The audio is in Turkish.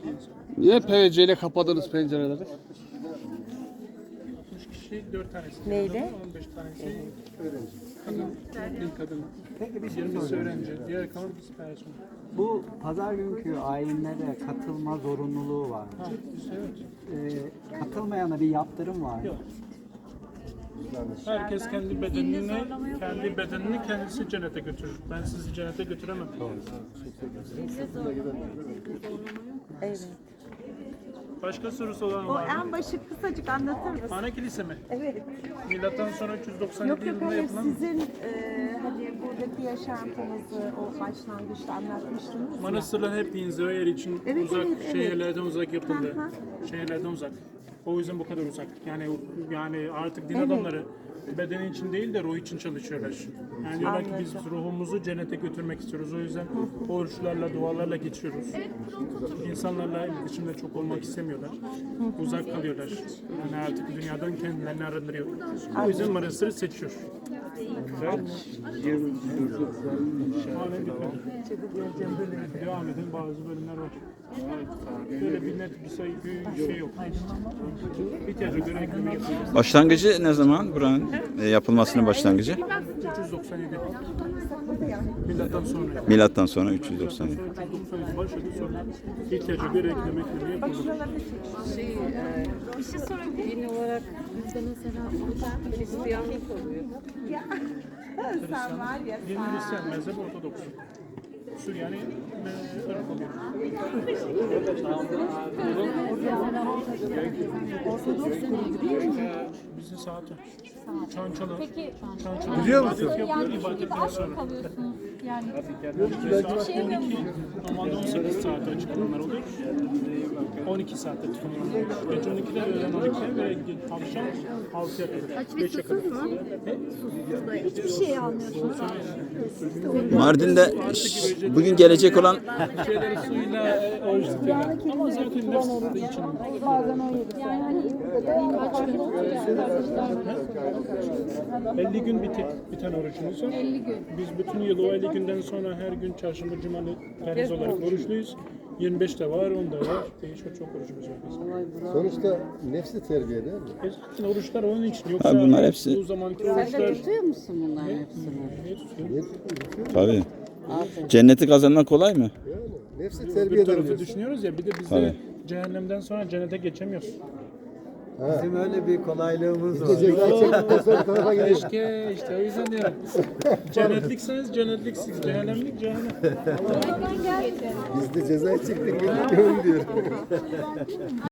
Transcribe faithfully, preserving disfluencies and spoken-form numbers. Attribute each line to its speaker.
Speaker 1: Niye P V C ile kapadınız pencereleri?
Speaker 2: altmış kişi dört tanesi.
Speaker 3: Neydi?
Speaker 2: on beş tanesi kadın. Bir kadın. yirmisi öğrenci. Diğer kalan biz personel.
Speaker 4: Bu pazar günkü ayinlere katılma zorunlululuğu var.
Speaker 2: Ha, evet.
Speaker 4: Ee, katılmayana bir yaptırım var.
Speaker 2: Yok. Herkes kendi bedenini, kendi bedenini kendisi cennete götürür. Ben sizi cennete götüremem.
Speaker 3: Evet.
Speaker 2: Başka sorusu olan
Speaker 3: O
Speaker 2: var mı?
Speaker 3: en başı kısacık anlatır mısın?
Speaker 2: Ana kilise mi?
Speaker 3: Evet.
Speaker 2: Milattan sonra üç yüz doksan
Speaker 3: Yok
Speaker 2: yedi
Speaker 3: yok
Speaker 2: yılında
Speaker 3: hayır
Speaker 2: yapılan
Speaker 3: sizin e, hani buradaki yaşantınızı o başlangıçta anlatmıştınız ya.
Speaker 2: manastırlar hep inziva yeri için
Speaker 3: Evet,
Speaker 2: uzak,
Speaker 3: evet, evet.
Speaker 2: şehirlerden uzak yapıldı.
Speaker 3: Hı hı.
Speaker 2: Şehirlerden uzak. O yüzden bu kadar uzak. Yani yani artık din
Speaker 3: Evet.
Speaker 2: adamları beden için değil de ruh için çalışıyorlar. Yani diyorlar ki biz
Speaker 3: Anladım.
Speaker 2: ruhumuzu cennete götürmek istiyoruz. O yüzden oruçlarla, dualarla geçiyoruz. İnsanlarla iletişimde çok olmak istemiyorlar. Uzak kalıyorlar. Yani artık dünyadan kendilerini arındırıyor. O yüzden manastırı seçiyor. Halen bitmedi. Devam edin, bazı bölümler var. Böyle bir net bir sayı bir şey yok. İhtiyaca göre ekleme yapıyoruz.
Speaker 5: Başlangıcı ne zaman buranın e, yapılmasının başlangıcı?
Speaker 2: üç yüz doksan yedi. Milattan sonra.
Speaker 5: Milattan sonra üç yüz doksan yedi.
Speaker 2: üç yüz doksan yedi başladı sonra. İhtiyaca göre ekleme ekleme yapıyoruz.
Speaker 6: Şey, e, bir şey sorabilir Din olarak bizde mesela oruç Hristiyanlık oluyor.
Speaker 3: Sen var ya
Speaker 2: Din Hristiyan, mezhep Ortodoks. Süryani ve Irak oluyor. Bizim saati. Çançalı. Çançalı. Biliyor musun? Yapıyor ibadetten sonra.
Speaker 6: Yani
Speaker 2: Saat on iki, normalde on sekiz saate açıklamalar oluyor. on iki saatte tutunuyor. Gece on ikiden öğlen on ikiye ve akşam altıya kadar. beşe kadar.
Speaker 6: hiçbir şey almıyorsunuz.
Speaker 5: Mardin'de ş- bugün gelecek olan
Speaker 2: Şeyleri suyla e, oruç tutuyorlar. Ama zaten nefsinde için.
Speaker 6: Yani hani kaç gün
Speaker 2: elli gün bitik, biten orucumuz var.
Speaker 6: elli gün.
Speaker 2: Biz bütün yıl o elli günden sonra her gün çarşamba, cumalı perhiz olarak oruçluyuz. yirmi beş de var, on da var. Değişiyor, çok orucumuz var bizim.
Speaker 7: Sonuçta nefsi terbiye değil mi?
Speaker 2: E, zaten oruçlar onun için. Yoksa
Speaker 5: Ha, bunlar hepsi-
Speaker 2: bu zamanki oruçlar...
Speaker 3: tutuyor musun bunların hepsini?
Speaker 2: Ne tutuyor?
Speaker 5: tabii. Cenneti kazanmak kolay mı?
Speaker 7: Yani nefsi
Speaker 2: Bir
Speaker 7: terbiye
Speaker 2: tarafı
Speaker 7: edemiyorsun.
Speaker 2: düşünüyoruz ya, bir de biz
Speaker 5: Tabii.
Speaker 2: de cehennemden sonra cennete geçemiyoruz.
Speaker 4: Bizim öyle bir kolaylığımız var.
Speaker 7: Ceza çektikten sonra bir tarafa gidiyor.
Speaker 2: Keşke işte o yüzden diyorum. Cennetlikseniz cennetliksiniz, cehennemlik cehennem.
Speaker 7: Biz de ceza çektik. Öyle diyor.